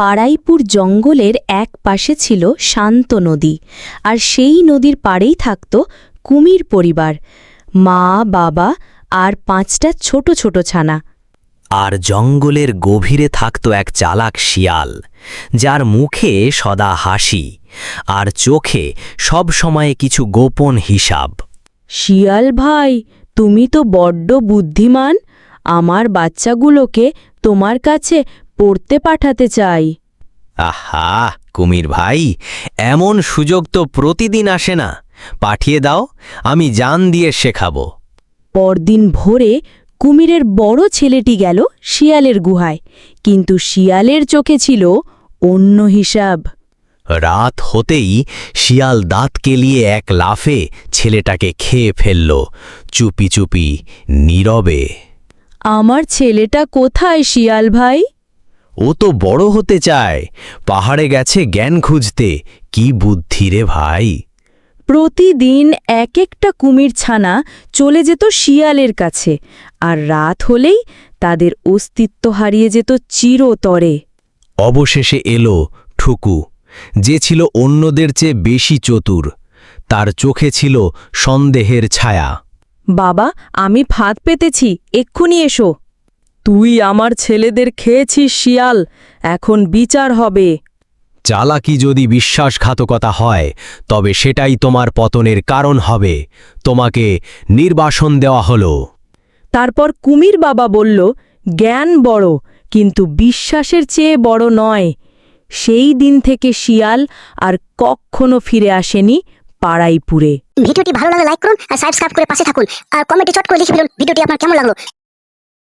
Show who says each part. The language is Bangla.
Speaker 1: পাড়াইপুর জঙ্গলের এক পাশে ছিল শান্ত নদী, আর সেই নদীর পাড়েই থাকত কুমির পরিবার, মা, বাবা আর 5টা ছোট ছোট ছানা।
Speaker 2: আর জঙ্গলের গভীরে থাকত এক চালাক শিয়াল, যার মুখে সদা হাসি আর চোখে সব সময় কিছু গোপন হিসাব।
Speaker 1: শিয়াল ভাই, তুমি তো বড্ড বুদ্ধিমান। আমার বাচ্চাগুলোকে তোমার কাছে পড়তে পাঠাতে চাই।
Speaker 2: আহা কুমির ভাই, এমন সুযোগ তো প্রতিদিন আসে না। পাঠিয়ে দাও, আমি জান দিয়ে শেখাবো।
Speaker 1: পরদিন ভোরে কুমিরের বড় ছেলেটি গেল শিয়ালের গুহায়, কিন্তু শিয়ালের চোখে ছিল অন্য হিসাব।
Speaker 2: রাত হতেই শিয়াল দাঁত কেলিয়ে এক লাফে ছেলেটাকে খেয়ে ফেলল, চুপি চুপি, নীরবে।
Speaker 1: আমার ছেলেটা কোথায় শিয়াল ভাই?
Speaker 2: ও তো বড় হতে চায়, পাহাড়ে গেছে জ্ঞান খুঁজতে। কি বুদ্ধি রে ভাই!
Speaker 1: প্রতিদিন এক একটা কুমির ছানা চলে যেত শিয়ালের কাছে, আর রাত হলেই তাদের অস্তিত্ব হারিয়ে যেত চিরতরে।
Speaker 2: অবশেষে এলো ঠুকু, যে ছিল অন্যদের চেয়ে বেশি চতুর। তার চোখে ছিল সন্দেহের ছায়া।
Speaker 1: বাবা, আমি ফাঁদ পেতেছি, এক্ষুনি এসো। তুই আমার ছেলেদের খেয়েছিস শিয়াল, এখন বিচার হবে।
Speaker 2: চালাকি যদি বিশ্বাসঘাতকতা হয়, তবে সেটাই তোমার পতনের কারণ হবে। তোমাকে নির্বাসন দেওয়া হলো।
Speaker 1: তারপর কুমির বাবা বলল, জ্ঞান বড়, কিন্তু বিশ্বাসের চেয়ে বড় নয়। সেই দিন থেকে শিয়াল আর কখনো ফিরে আসেনি পাড়াইপুরে।
Speaker 3: ভিডিওটি ভালো লাগলে লাইক করুন আর সাবস্ক্রাইব করে পাশে থাকুন আর কমেন্টে চট করে লিখে ফেলুন ভিডিওটি আপনার কেমন লাগলো।